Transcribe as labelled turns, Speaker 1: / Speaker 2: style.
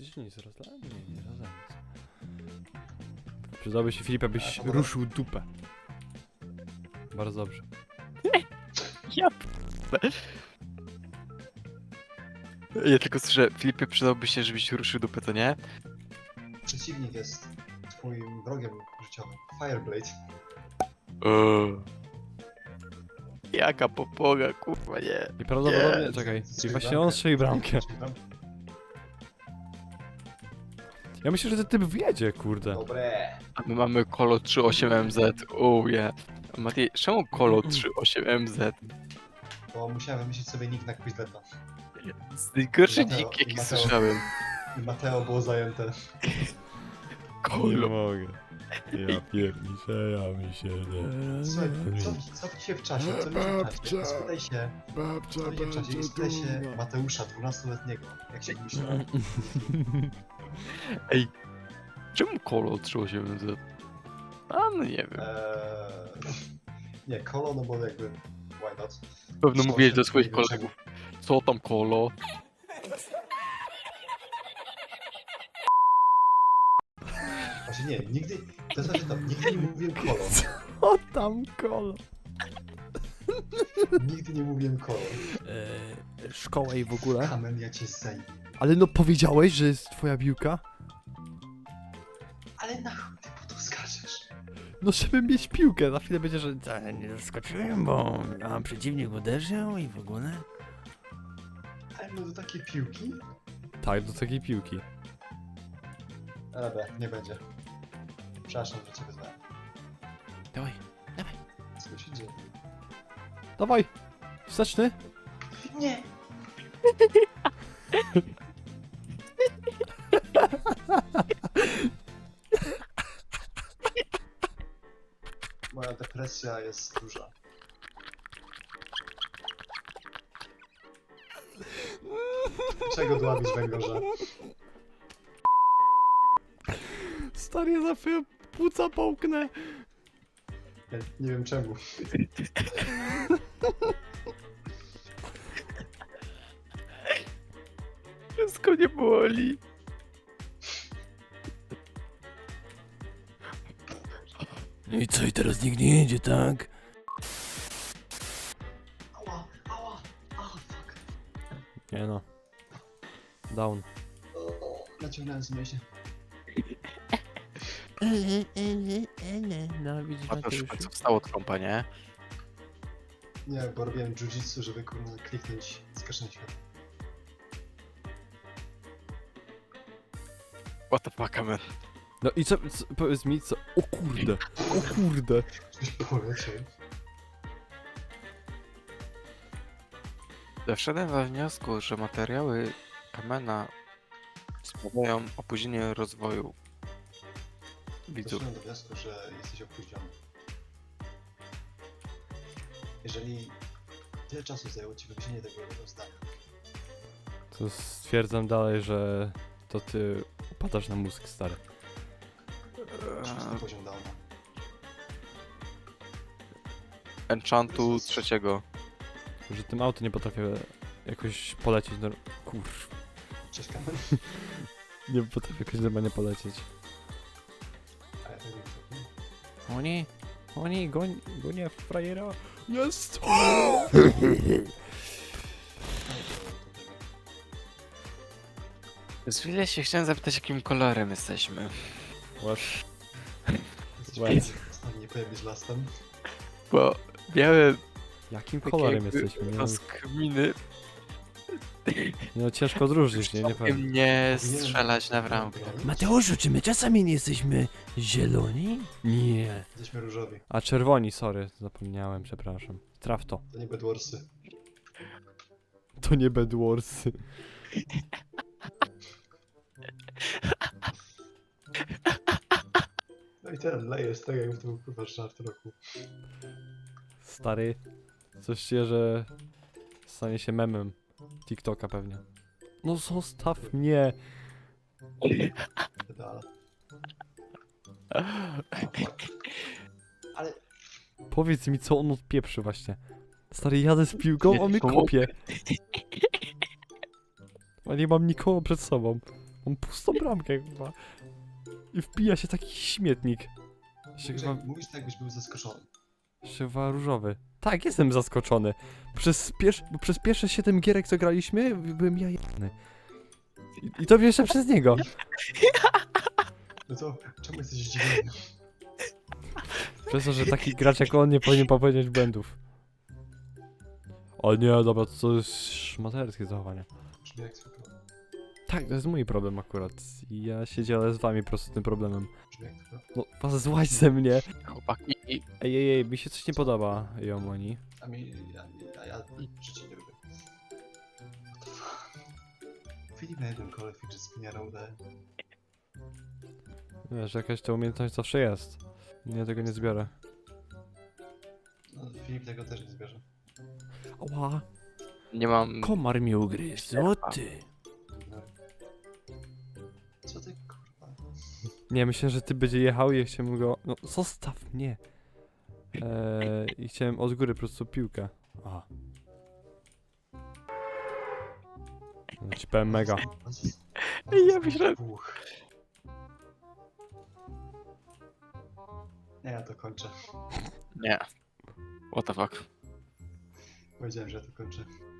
Speaker 1: Ty się nic rozlałem? Nie rozlałem nic. Przydałby się Filip, abyś ruszył dupę. Bardzo dobrze.
Speaker 2: Ja Ja tylko słyszę, Filipie, przydałby się, żebyś ruszył dupę, to nie?
Speaker 3: Przeciwnik jest twoim wrogiem życiowym. Fireblade.
Speaker 2: Jaka popoga, kurwa, nie.
Speaker 1: I prawdopodobnie,
Speaker 2: Nie.
Speaker 1: czekaj,
Speaker 3: Strzelił
Speaker 1: i właśnie
Speaker 3: bramkę.
Speaker 1: on strzeli bramkę.
Speaker 3: Strzelił bramkę.
Speaker 1: Ja myślę, że ten typ wjedzie, kurde.
Speaker 3: Dobre.
Speaker 2: A my mamy Kolo 38MZ, yeah. Mati, czemu Kolo 38MZ?
Speaker 3: Bo musiałem wymyślić sobie nick na Quizleta.
Speaker 2: Najgorszy
Speaker 3: Mateo-
Speaker 2: nick, jaki
Speaker 3: Mateo.
Speaker 2: słyszałem.
Speaker 3: I Mateo było zajęte.
Speaker 1: Nie
Speaker 2: Kolo.
Speaker 1: mogę. Ja pierniczę, ja mi się
Speaker 3: Słuchaj, cofnij się w czasie, cofnij się w czasie. Spytaj się,
Speaker 1: Babcia
Speaker 3: cofnij się w czasie i spytaj się Mateusza, 12-letniego. Jak się myśli?
Speaker 2: Ej, czemu Kolo 38MZ? A, no nie wiem.
Speaker 3: Nie, Kolo, no bo jakby, why not?
Speaker 2: Pewno
Speaker 3: Co
Speaker 2: mówiłeś
Speaker 3: się
Speaker 2: do swoich
Speaker 3: dzieje,
Speaker 2: kolegów. Co tam Kolo?
Speaker 3: Właśnie nie, nigdy, to znaczy to, nigdy nie mówiłem Kolo.
Speaker 1: O tam kolo.
Speaker 3: Nigdy nie mówiłem Kolo.
Speaker 1: Szkoła i w ogóle.
Speaker 3: Kamen, ja cię zajmę.
Speaker 1: Ale no powiedziałeś, że jest twoja piłka?
Speaker 3: Ale na chuj ty po to skaczesz?
Speaker 1: No żeby mieć piłkę, za chwilę będzie, że nie zaskoczyłem, bo przeciwnik uderzył i w ogóle.
Speaker 3: Ale no do takiej piłki?
Speaker 1: Tak, do takiej piłki.
Speaker 3: Dobra, nie będzie. Przepraszam, że cię wyzwałem.
Speaker 1: Dawaj,
Speaker 3: Co się dzieje?
Speaker 1: dawaj! Wsteczny?
Speaker 3: Nie! Moja depresja jest duża. Czego dławisz węgorza?
Speaker 1: Stary, ja za chwilę płuca połknę.
Speaker 3: Nie wiem czemu.
Speaker 2: Wszystko nie boli.
Speaker 1: No i co, i teraz nikt nie jedzie, tak?
Speaker 3: Ała, ała, fuck.
Speaker 1: Nie no. Down.
Speaker 3: Naciągnąłem z myśli.
Speaker 1: No widzisz,
Speaker 2: A to już w końcu wstało trąba, nie?
Speaker 3: Nie, bo robiłem jiu-jitsu, żeby kurwa kliknąć skażenie światła.
Speaker 2: What the fuck, man.
Speaker 1: No i co, powiedz mi, co? O kurde, o kurde.
Speaker 3: Coś poleciał.
Speaker 2: Doszedłem we wniosku, że materiały Kamena spowodują opóźnienie rozwoju widzów.
Speaker 3: Doszedłem do wniosku, że jesteś opóźniony. Jeżeli tyle czasu zajęło ci wymyślenie tego jednego zdania,
Speaker 1: To stwierdzam dalej, że to ty upadasz na mózg, stary.
Speaker 3: szósty poziom downa.
Speaker 2: Enchantu trzeciego.
Speaker 1: Że tym auto nie potrafię jakoś polecieć, no kurw.
Speaker 3: Cześć Kamen.
Speaker 1: Nie potrafię jakoś normalnie polecieć.
Speaker 3: Ale to nie
Speaker 1: Oni, gonie frajera. Jest!
Speaker 2: Z chwilę się chciałem zapytać, jakim kolorem jesteśmy.
Speaker 1: Łasz.
Speaker 3: Jesteś nie powiem być lastem.
Speaker 2: Bo miałem
Speaker 1: Jakim
Speaker 2: takie
Speaker 1: kolorem
Speaker 2: jakby
Speaker 1: jesteśmy? Nie,
Speaker 2: rozkminy,
Speaker 1: no ciężko odróżnić, nie powiem.
Speaker 2: całkiem nie strzelać na bramkę.
Speaker 1: Mateuszu, czy my czasami nie jesteśmy zieloni? Nie.
Speaker 3: Jesteśmy różowi.
Speaker 1: A czerwoni, sorry, zapomniałem, przepraszam. Traf to.
Speaker 3: To nie Bedwarsy.
Speaker 1: To nie Bedwarsy.
Speaker 3: No i ten leje z tego, jakby to był kurwa żart roku.
Speaker 1: Stary, coś czuję, że stanie się memem TikToka pewnie. No zostaw mnie.
Speaker 3: Pedala. Ale
Speaker 1: Powiedz mi, co on odpieprzy właśnie. Stary, jadę z piłką, on mnie
Speaker 2: Nie pomogę.
Speaker 1: kopie. A nie mam nikogo przed sobą. Mam pustą bramkę chyba. I wpija się taki śmietnik. Jeszcze chyba,
Speaker 3: Mówisz tak, jakbyś był zaskoczony.
Speaker 1: jeszcze chyba różowy. Tak, jestem zaskoczony. Bo przez pierwsze 7 gierek, co graliśmy, byłem ja jebany. I to jeszcze przez niego.
Speaker 3: No to czemu jesteś zdziwiony?
Speaker 1: Przez to, że taki gracz jak on nie powinien popełniać błędów. O nie, dobra, to jest szmaterskie zachowanie.
Speaker 3: Brzmi jak zwykle.
Speaker 1: Tak, to jest mój problem akurat. I ja się dzielę z wami po prostu tym problemem.
Speaker 3: Brzmi jak zwykle.
Speaker 1: No, was złaź ze mnie.
Speaker 2: Chłopaki,
Speaker 1: Ej, mi się coś nie podoba, Jomoni.
Speaker 3: A mi... ja życie nie lubię. What the fuck? Filip na jednym kole fidget spinnera udaje.
Speaker 1: Wiesz, jakaś ta umiejętność zawsze jest. Ja tego nie zbiorę.
Speaker 3: No, Filip tego też nie zbierze.
Speaker 1: Ała,
Speaker 2: nie mam...
Speaker 1: komar mi ugryzł, o ty.
Speaker 3: No. Co ty kurwa?
Speaker 1: Nie, myślę, że ty będzie jechał i ja chciałem go... No, zostaw mnie. I chciałem od góry po prostu piłkę. Aha. No, ci powiem mega.
Speaker 2: Ja myślałem-
Speaker 3: Nie, ja to kończę.
Speaker 2: Nie. What the fuck.
Speaker 3: Powiedziałem, że ja to kończę.